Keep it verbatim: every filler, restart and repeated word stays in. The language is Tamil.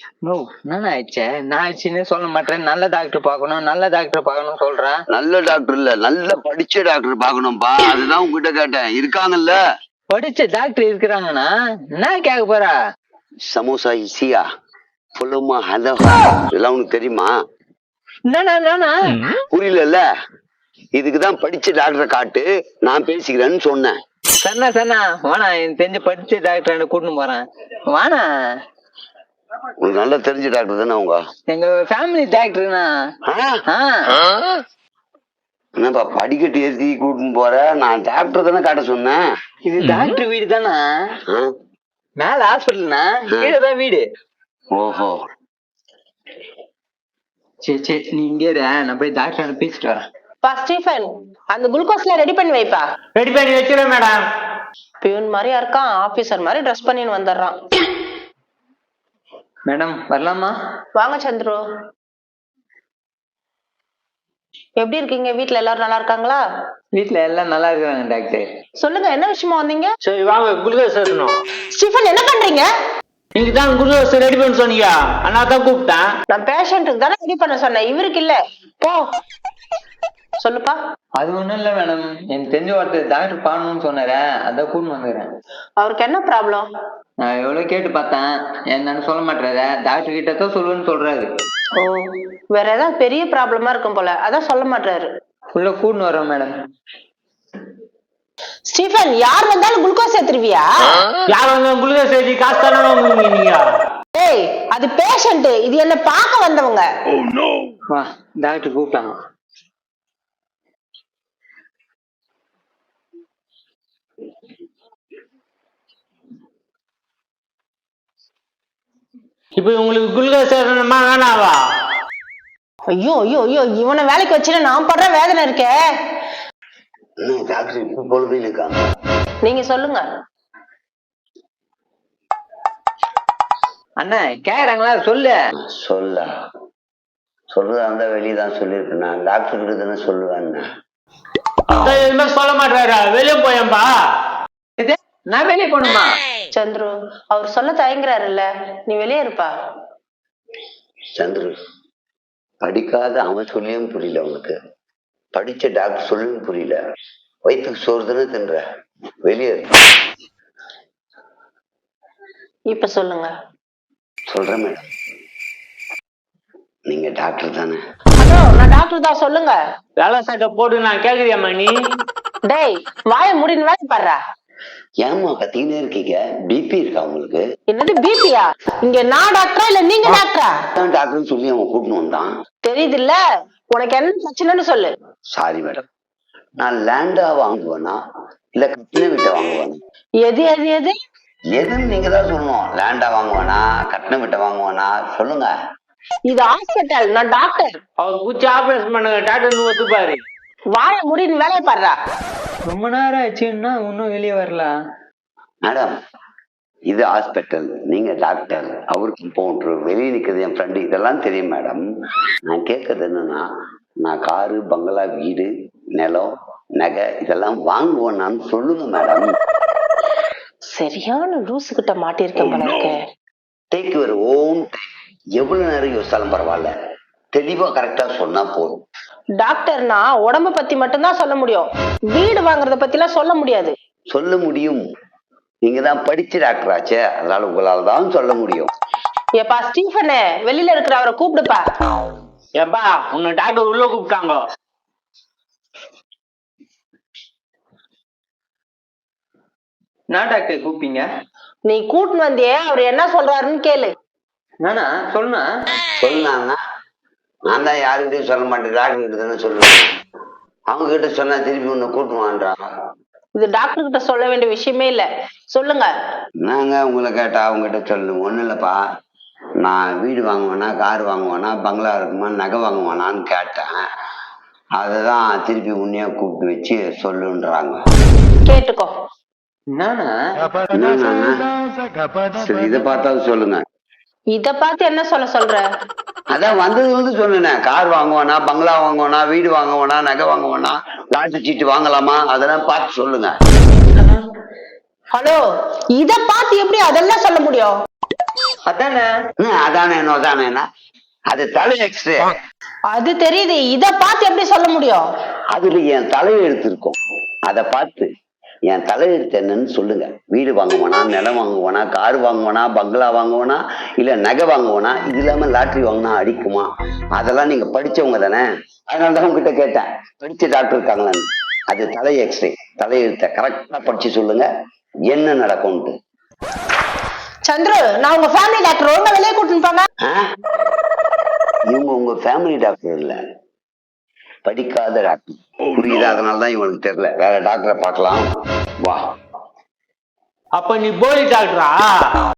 நோ என்ன ஆயிடுச்சே நான் ஆயிடுச்சுன்னு சொல்ல மாட்டேன். நல்ல டாக்டர் பார்க்கணும் நல்ல டாக்டர் பார்க்கணும் சொல்றேன். நல்ல டாக்டர் இல்ல, நல்ல படிச்ச டாக்டர் பாக்கணும்பா. அதுதான் உங்ககிட்ட கேட்டேன். இருக்காங்கல்ல படிச்ச டாக்டர் இருக்கிறாங்கன்னா என்ன கேட்க போறா? சமோசா இசியா புலமா ஹலஹா இதெல்லாம் உனக்கு தெரியுமா? புரியல. இதுக்குதான் படிச்ச டாக்டரை காட்டு, நான் பேசிக்கிறேன்னு சொன்னேன். சன்னா சன்னா வானா, எனக்கு தெரிஞ்ச படிச்ச டாக்டர் கூட்டின்னு போறேன் வானா. உங்களுக்கு நல்லா தெரிஞ்ச டாக்டர் தானே அவங்க? எங்க ஃபேமிலி டாக்டர்னா. என்னப்பா படிக்கட்டு ஏற்றி கூட்டின்னு போற? நான் டாக்டர் தானே காட்ட சொன்னேன். இது டாக்டர் வீடு தானே, மேல ஹாஸ்பிட்டல்னா கீழதான் வீடு. ஓஹோ சரி சரி நீ இங்கே நான் போய் டாக்டர் பேசிட்டு வரேன். பா ஸ்டீஃபன், அந்த குளுக்கோஸ்ல ரெடி பண்ணி வைப்பா. ரெடி பண்ணி வச்சிருவேன் மேடம். பியூன் மாதிரியா இருக்கான், ஆபீசர் மாதிரி ட்ரெஸ் பண்ணின்னு வந்துடுறான். மேடம் வரலாமா? வாங்க சந்துரு. எப்படி இருக்கீங்க? வீட்டுல எல்லாரும் நல்லா இருக்காங்களா? வீட்டுல எல்லாம் நல்லா இருக்காங்க டாக்டர். சொல்லுங்க என்ன விஷயமா வந்தீங்க? சரி வாங்க குளுக்கோஸ் ஏத்தணும். ஸ்டீஃபன் என்ன பண்றீங்க? நீங்க தான் குளுக்கோஸ் ரெடி பண்ண சொன்னீங்க, அண்ணா தான் கூப்பிட்டேன். நான் பேஷண்ட்டுக்கு தானே ரெடி பண்ண சொன்னேன், இவருக்கு இல்ல. போ சொல்லுப்பா. அது ஒண்ணும் இல்ல மேடம், எனக்கு தெரிஞ்ச ஒருத்தர் டாக்டர் பாக்கணும்னு சொன்னாரு, அதான் கூட்டின்னு வந்துக்கிறேன். அவருக்கு என்ன ப்ராப்ளம்? நான் எவ்வளவு கேட்டு பார்த்தேன், என்னன்னு சொல்ல மாட்டாரு. டாக்டர் கிட்ட தான் சொல்லுவேன்னு சொல்றாரு. ஓ, வேற ஏதாவது பெரிய ப்ராப்ளமா இருக்கும் போல, அதான் சொல்ல மாட்டாரு. உள்ள கூட்டின்னு வரோம் மேடம். ஸ்டீஃபன், யார் வந்தாலும் குளுக்கோஸ் ஏத்துருவியா? யார் வந்தாலும் குளுக்கோஸ் ஏத்தி காசு தானே வாங்குவீங்க? ஏய், அது பேஷண்ட், இது என்ன பார்க்க வந்தவங்க. வா டாக்டர் கூப்பிட்டாங்க. இப்ப உங்களுக்கு குளுக்கோஸ் ஏத்தணுமா வேணாவா? ஐயோ ஐயோ ஐயோ, இவனை வேலைக்கு வச்சுட்டு நான் படுற வேதனை இருக்கே. டாக்டர் இப்ப பொழுது இருக்காங்க. நீங்க சொல்லுங்க அண்ணா. கேக்குறாங்களா? சொல்லு. சொல்ல சொல்றதா இருந்தா வெளியதான் சொல்லிருக்கேன். நான் டாக்டர் கிட்ட தானே சொல்லுவேன். எதுவுமே சொல்ல மாட்டாரா? வெளியே போயம்பா. நான் வெளியே போகணுமா? சந்துரு, அவர் சொல்ல தயங்குறாருல்ல, நீ வெளியே இருப்பா. சந்துரு, படிக்காத அவன் சொல்லியும் புரியல உனக்கு, படிச்ச டாக்டர் சொல்லியும் புரியல. வயிற்றுக்கு சோறு தானே தின்ற, வெளியே. இப்ப சொல்லுங்க. சொல்றேன் மேடம், நீங்க டாக்டர் தானே? ஹலோ, நான் டாக்டர் தான், சொல்லுங்க. வேலை சட்டை போட்டு நான் கேக்குறியாமா நீ? டேய், வாய முடின்னு வேலை பாடுறா. ஏமா கத்திக்கிட்டே இருக்கீங்க? பிபி இருக்கா உங்களுக்கு? என்னது பிபியா? இங்க நான் டாக்டரா இல்ல நீங்க டாக்டரா? டாக்டர்னு சொல்லி அவன் கூட்டின்னு வந்தான். தெரியுது இல்ல, உனக்கு என்ன பிரச்சனைன்னு சொல்லு. சாரி மேடம், நான் லேண்டா வாங்குவேனா இல்ல கட்டின வீட்டை வாங்குவேனா? எது எது எது எதுன்னு நீங்க தான் சொல்லணும். லேண்டா வாங்குவேனா கட்டின வீட்டை வாங்குவேனா சொல்லுங்க. இது ஹாஸ்பிட்டல், நான் டாக்டர். அவர் பூச்சி ஆபரேஷன் பண்ணுங்க, டாக்டர் ஒத்துப்பாரு. வாய முடின்னு வேலையை பாடுறா. ரொம்ப நேரம் ஆச்சுன்னா இன்னும் வெளியே வரலாம். மேடம், இது ஹாஸ்பிட்டல், நீங்க டாக்டர், அவருக்கு பவுண்டர், வெளியே நிற்கிறது என் ஃப்ரெண்டு, இதெல்லாம் தெரியும் மேடம். நான் கேட்கறது என்னன்னா, நான் காரு பங்களா வீடு நிலம் நகை இதெல்லாம் வாங்குவேன்னு சொல்லுங்க மேடம். சரியான லூசு கிட்ட மாட்டிருக்கேன் போல இருக்கு. Take your own time. எவ்வளவு நேரம் யோசிச்சாலும் பரவாயில்ல, தெளிவா கரெக்டா சொன்னா போதும். டாக்டர்னா உடம்ப பத்தி மட்டும்தான் சொல்ல முடியும், வீடு வாங்குறத பத்தி எல்லாம் சொல்ல முடியாது. சொல்ல முடியும், நீங்க தான் படிச்ச டாக்டர் ஆச்சே, அதனால உங்களால தான் சொல்ல முடியும். ஏப்பா ஸ்டீஃபனே, வெளியில இருக்கிற அவரை கூப்பிடுப்பா. ஏப்பா உன்னை டாக்டர் உள்ள கூப்பிட்டாங்க. நான் டாக்டர் கூப்பிட்டீங்க? நீ கூட்டின்னு வந்தியே, அவர் என்ன சொல்றாருன்னு கேளு. நானா சொன்னா சொன்னாங்கன்னா நான் தான் யாருக்கிட்டையும் சொல்ல மாட்டேன், டாக்டர் கிட்ட தானே சொல்லுவேன். அவங்க கிட்ட சொன்னா திருப்பி ஒண்ணு கூட்டுவான்றாங்க. இது டாக்டர் கிட்ட சொல்ல வேண்டிய விஷயமே இல்ல, சொல்லுங்க. நாங்க உங்களை கேட்டா அவங்க கிட்ட சொல்லு. ஒண்ணு இல்லப்பா, நான் வீடு வாங்குவேனா கார் வாங்குவேனா பங்களா இருக்குமா நகை வாங்குவானான்னு கேட்டேன். அததான் திருப்பி உன்னையா கூப்பிட்டு வச்சு சொல்லுன்றாங்க. கேட்டுக்கோ. நானா சரி, இதை பார்த்தாலும் சொல்லுங்க. இத பார்த்து என்ன சொல்ல சொல்ற? அதான் வந்தது வந்து சொன்னேன், கார் வாங்குவானா பங்களா வாங்குவானா வீடு வாங்குவானா நகை வாங்குவானா லாட்டரி சீட்டு வாங்கலாமா அதெல்லாம் பார்த்து சொல்லுங்க. ஹலோ, இத பார்த்து எப்படி அதெல்லாம் சொல்ல முடியும்? அதானே ஹம், அதானே என்ன அதானே என்ன அது தலை எக்ஸ்ரே. அது தெரியுது, இத பார்த்து எப்படி சொல்ல முடியும்? அதுல என் தலையெழுத்து இருக்கும். அதை பார்த்து என் தலையெழுத்து என்னன்னு சொல்லுங்க. வீடு வாங்குவானா, நிலம் வாங்குவானா, கார் வாங்குவானா, பங்களா வாங்குவானா, இல்ல நகை வாங்குவானா, இது இல்லாம லாட்டரி வாங்கினா அடிக்குமா? அதெல்லாம் நீங்க படிச்சவங்க தானே, அதனாலதான் உங்ககிட்ட கேட்டேன் படிச்ச டாக்டர் இருக்காங்களான்னு. அது தலை எக்ஸ்ரே. தலையெழுத்த கரெக்டா படிச்சு சொல்லுங்க என்ன நடக்கும்ட்டு. சந்துரு, நான் உங்க ஃபேமிலி டாக்டர், ஒழுங்கா வெளியே கூட்டிட்டு போங்க. ஆ? இவங்க உங்க ஃபேமிலி டாக்டர் இல்ல, படிக்காத டாக்டர். புரியுதா? அதனாலதான் இவங்களுக்கு தெரியல. வேற டாக்டரை பார்க்கலாம் வா. அப்ப நீ போலி டாக்டரா?